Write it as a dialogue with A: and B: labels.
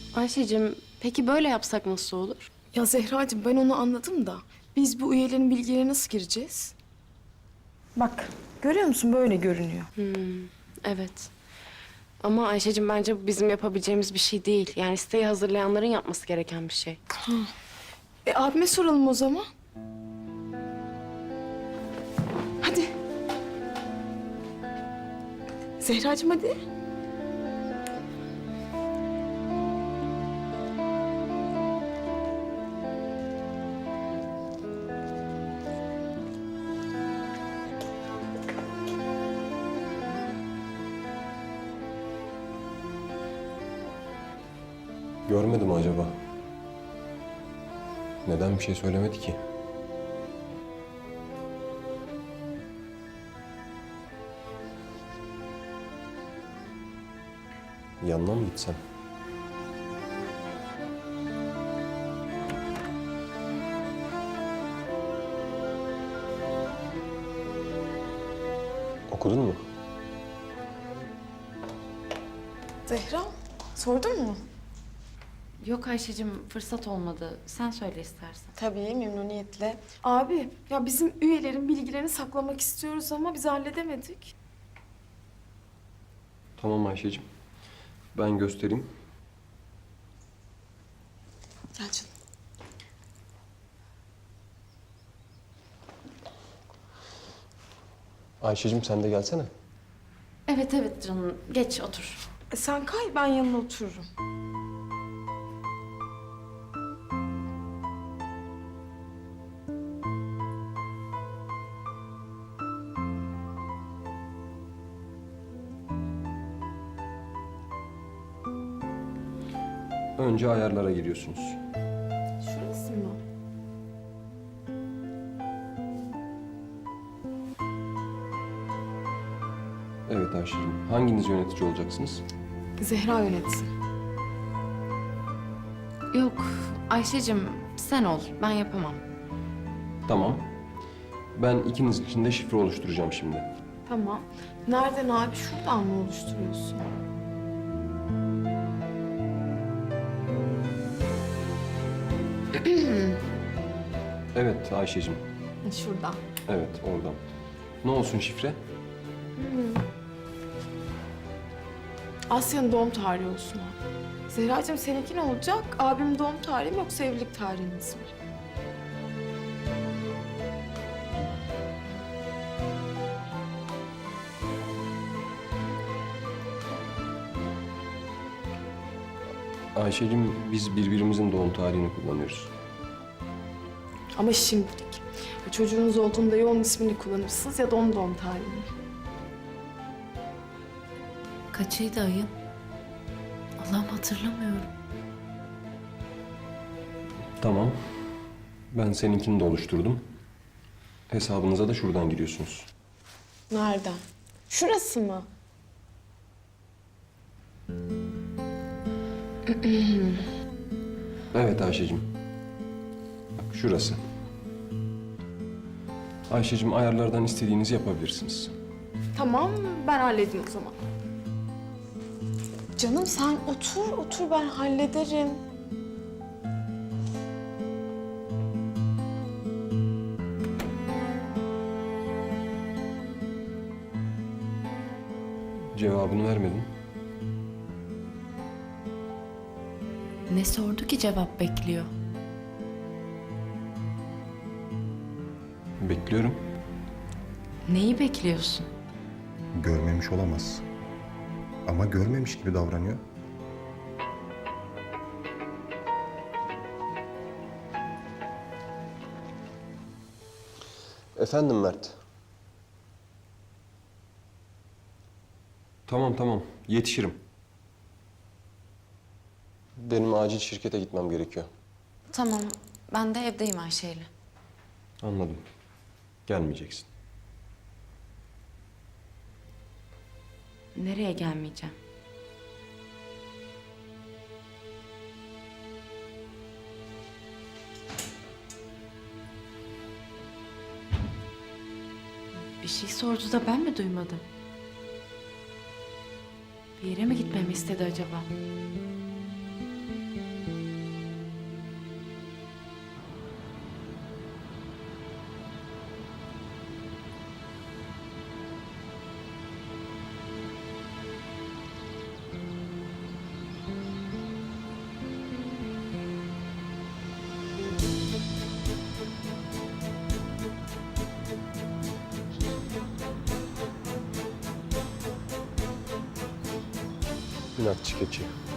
A: Ayşe'cim peki böyle yapsak nasıl olur?
B: Ya Zehracığım ben onu anladım da biz bu üyelerin bilgilerine nasıl gireceğiz? Bak görüyor musun böyle görünüyor.
A: Evet. Ama Ayşe'cim bence bu bizim yapabileceğimiz bir şey değil. Yani siteyi hazırlayanların yapması gereken bir şey.
B: Abime soralım o zaman. Hadi. Zehracığım hadi.
C: Görmedi mi acaba? Neden bir şey söylemedi ki? Yanına mı gitsem? Okudun mu?
B: Zehra sordun mu?
D: Yok Ayşe'cim fırsat olmadı. Sen söyle istersen.
B: Tabii memnuniyetle. Abi ya bizim üyelerin bilgilerini saklamak istiyoruz ama biz halledemedik.
C: Tamam Ayşe'cim. Ben göstereyim.
B: Gel canım.
C: Ayşe'cim sen de gelsene.
D: Evet evet canım. Geç otur.
B: Sen kay ben yanına otururum.
C: Önce ayarlara giriyorsunuz.
B: Şurası mı?
C: Evet Ayşe'cim. Hanginiz yönetici olacaksınız?
B: Zehra yönetsin.
D: Yok Ayşe'cim sen ol. Ben yapamam.
C: Tamam. Ben ikiniz için de şifre oluşturacağım şimdi.
B: Tamam. Nereden abi? Şuradan mı oluşturuyorsun?
C: Evet Ayşe'cim.
B: Şuradan.
C: Evet oradan. Ne olsun şifre?
B: Asya'nın doğum tarihi olsun abi. Zehracığım seninki ne olacak? Abim doğum tarihi mi yoksa evlilik tarihiniz mi?
C: Ayşe'cim biz birbirimizin doğum tarihini kullanıyoruz.
B: Ama şimdilik. Çocuğunuz olduğunda ya onun ismini kullanırsınız ya da onun doğum tarihini.
D: Kaçıydı ayın? Allah'ım hatırlamıyorum.
C: Tamam. Ben seninkini de oluşturdum. Hesabınıza da şuradan giriyorsunuz.
B: Nereden? Şurası mı?
C: Evet Ayşe'cim. Bak şurası. Ayşe'cim ayarlardan istediğinizi yapabilirsiniz.
B: Tamam, ben halledeyim o zaman. Canım sen otur ben hallederim.
C: Cevabını vermedin.
D: Ne sordu ki cevap bekliyor?
C: Bekliyorum.
D: Neyi bekliyorsun?
E: Görmemiş olamaz. Ama görmemiş gibi davranıyor.
C: Efendim Mert. Tamam. Yetişirim. Benim acil şirkete gitmem gerekiyor.
D: Tamam ben de evdeyim Ayşe'yle.
C: Anladım. Gelmeyeceksin.
D: Nereye gelmeyeceğim? Bir şey sordu da ben mi duymadım? Bir yere mi gitmemi istedi acaba?
C: İnatçı keçi.